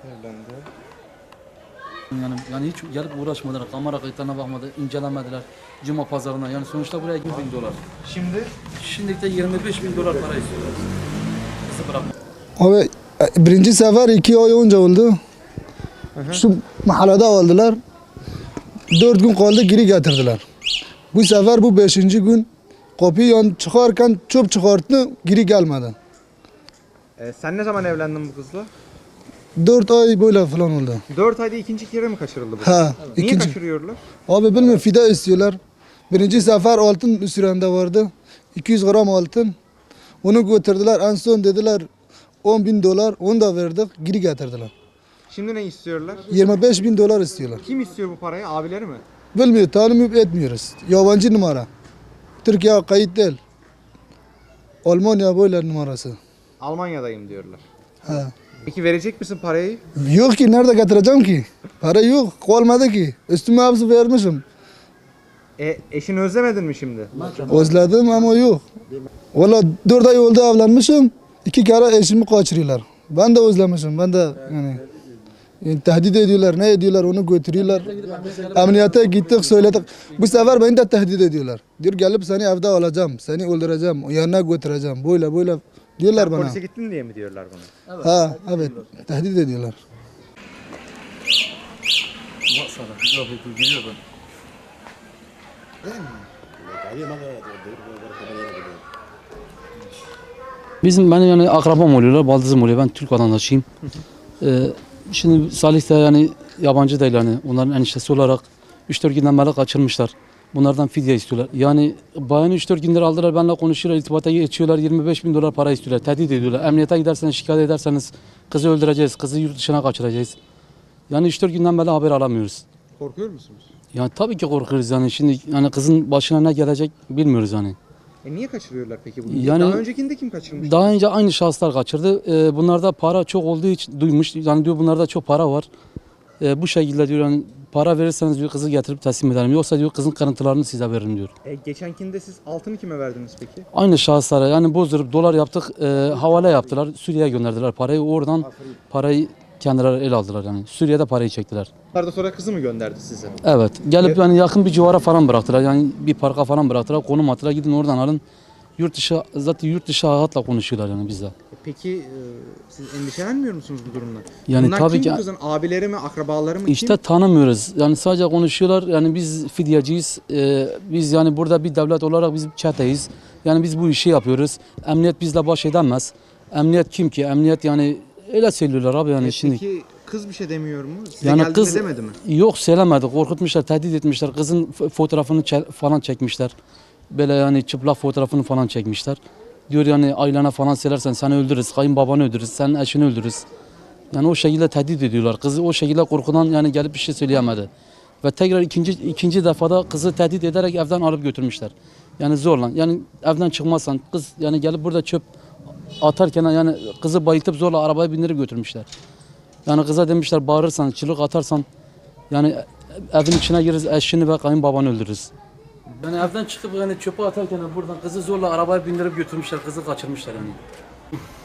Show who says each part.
Speaker 1: Evlendi.
Speaker 2: Yani hiç gelip uğraşmadılar, kamera kayıtlarına bakmadı, incelemediler. Cuma pazarına yani sonuçta buraya 20.000 dolar. Şimdilik de 25.000 dolar para istiyorlar. Kızı bırakma.
Speaker 3: Abi birinci sefer 2 ay önce oldu. Şu mahallede aldılar. 4 gün kaldı geri getirdiler. Bu sefer bu 5. gün kapıyı çıkarken çöp çıkarttı geri gelmedi.
Speaker 1: Sen ne zaman evlendin bu kızla?
Speaker 3: 4 ay böyle falan oldu.
Speaker 1: 4 ayda ikinci kere mi kaçırıldı bu?
Speaker 3: Ha,
Speaker 1: Niye
Speaker 3: ikinci.
Speaker 1: kaçırıyorlar?
Speaker 3: Abi bilmiyorum fide istiyorlar. Birinci sefer altın üstünde vardı. 200 gram altın. Onu götürdüler. En son dediler 10.000 dolar. Onu da verdik. Geri getirdiler.
Speaker 1: Şimdi ne istiyorlar?
Speaker 3: 25.000 dolar istiyorlar.
Speaker 1: Kim istiyor bu parayı? Abileri mi?
Speaker 3: Bilmiyor, tanımıyor etmiyoruz. Yabancı numara. Türkiye kayıt değil. Almanya böyle numarası.
Speaker 1: Almanya'dayım diyorlar.
Speaker 3: Ha.
Speaker 1: Peki verecek misin parayı?
Speaker 3: Yok ki nerede getireceğim ki? Para yok, olmadı ki. Üstüme hepsi vermişim.
Speaker 1: Eşini özlemedin mi şimdi?
Speaker 3: Özledim ama yok. Valla 4 ay oldu evlenmişim. 2 kere eşimi kaçırıyorlar. Ben de özlemişim. Ben de yani tehdit ediyorlar. Ne ediyorlar onu götürüyorlar. Emniyete gittik söyledik. Bu sefer beni de tehdit ediyorlar. Diyor gelip seni evde alacağım. Seni öldüreceğim. Yanına götüreceğim. Böyle diyorlar
Speaker 1: Sen
Speaker 3: bana.
Speaker 1: polise gittin diye mi diyorlar bana?
Speaker 3: Ha evet. Tehdit ediyorlar.
Speaker 2: Bak sana, laf ediyor, geliyor ben. Benim yani akrabam oluyorlar, baldızım oluyor. Ben Türk vatandaşıyım. Şimdi Salih de yani yabancı değil yani. Onların eniştesi olarak 3-4 günden beri kaçırmışlar. Bunlardan fidye istiyorlar. Yani bayanı 3-4 gündür aldılar, benimle konuşuyorlar, irtibata geçiyorlar, 25.000 dolar para istiyorlar, tehdit ediyorlar. Emniyete giderseniz, şikayet ederseniz kızı öldüreceğiz, kızı yurt dışına kaçıracağız. Yani 3-4 günden beri haber alamıyoruz.
Speaker 1: Korkuyor musunuz?
Speaker 2: Yani tabii ki korkuyoruz yani şimdi yani kızın başına ne gelecek bilmiyoruz yani.
Speaker 1: Niye kaçırıyorlar peki bunu?
Speaker 2: Yani-
Speaker 1: Daha öncekinde kim kaçırmış?
Speaker 2: Daha önce aynı şahıslar kaçırdı. Bunlarda para çok olduğu için duymuş. Yani diyor bunlarda çok para var. Bu şekilde diyor yani para verirseniz diyor kızı getirip teslim ederim. Yoksa diyor kızın kırıntılarını size veririm diyor.
Speaker 1: Geçenkinde siz altını kime verdiniz peki?
Speaker 2: Aynı şahıslara yani bozdurup dolar yaptık, havale yaptılar. Suriye'ye gönderdiler parayı. Oradan parayı kendileri el aldılar yani. Suriye'de parayı çektiler.
Speaker 1: Arada sonra kızı mı gönderdi size?
Speaker 2: Evet. Gelip yani yakın bir civara falan bıraktılar. Yani bir parka falan bıraktılar. Konum attılar. Gidin oradan alın. Zaten yurt dışı hayatla konuşuyorlar yani bizle.
Speaker 1: Peki siz endişelenmiyor musunuz bu durumdan?
Speaker 2: Yani
Speaker 1: Bunlar
Speaker 2: tabii
Speaker 1: kim
Speaker 2: ki-
Speaker 1: bu kızın? Abileri mi, akrabaları mı?
Speaker 2: İşte
Speaker 1: Kim?
Speaker 2: tanımıyoruz. Yani sadece konuşuyorlar. Yani biz fidyeciyiz. Biz yani burada bir devlet olarak biz çeteyiz. Yani biz bu işi yapıyoruz. Emniyet bizle baş edemez. Emniyet kim ki? Emniyet yani öyle söylüyorlar abi yani şimdi.
Speaker 1: Peki kız bir şey demiyor mu? Size
Speaker 2: Yani
Speaker 1: geldiğinde
Speaker 2: kız
Speaker 1: demedi mi?
Speaker 2: yok söylemedi. Korkutmuşlar, tehdit etmişler. Kızın fotoğrafını falan çekmişler. Böyle yani çıplak fotoğrafını falan çekmişler. Diyor yani ailene falan söylersen seni öldürürüz, kayınbabanı öldürürüz, senin eşini öldürürüz. Yani o şekilde tehdit ediyorlar. Kızı o şekilde korkudan yani gelip bir şey söyleyemedi. Ve tekrar ikinci defada kızı tehdit ederek evden alıp götürmüşler. Yani zorla. Yani evden çıkmazsan kız yani gelip burada çöp atarken yani kızı bayıltıp zorla arabaya bindirip götürmüşler. Yani kıza demişler bağırırsan, çığlık atarsan yani evin içine gireriz, eşini ve kayınbabanı öldürürüz. Yani evden çıkıp yani çöpe atarken buradan kızı zorla arabaya bindirip götürmüşler, kızı kaçırmışlar yani.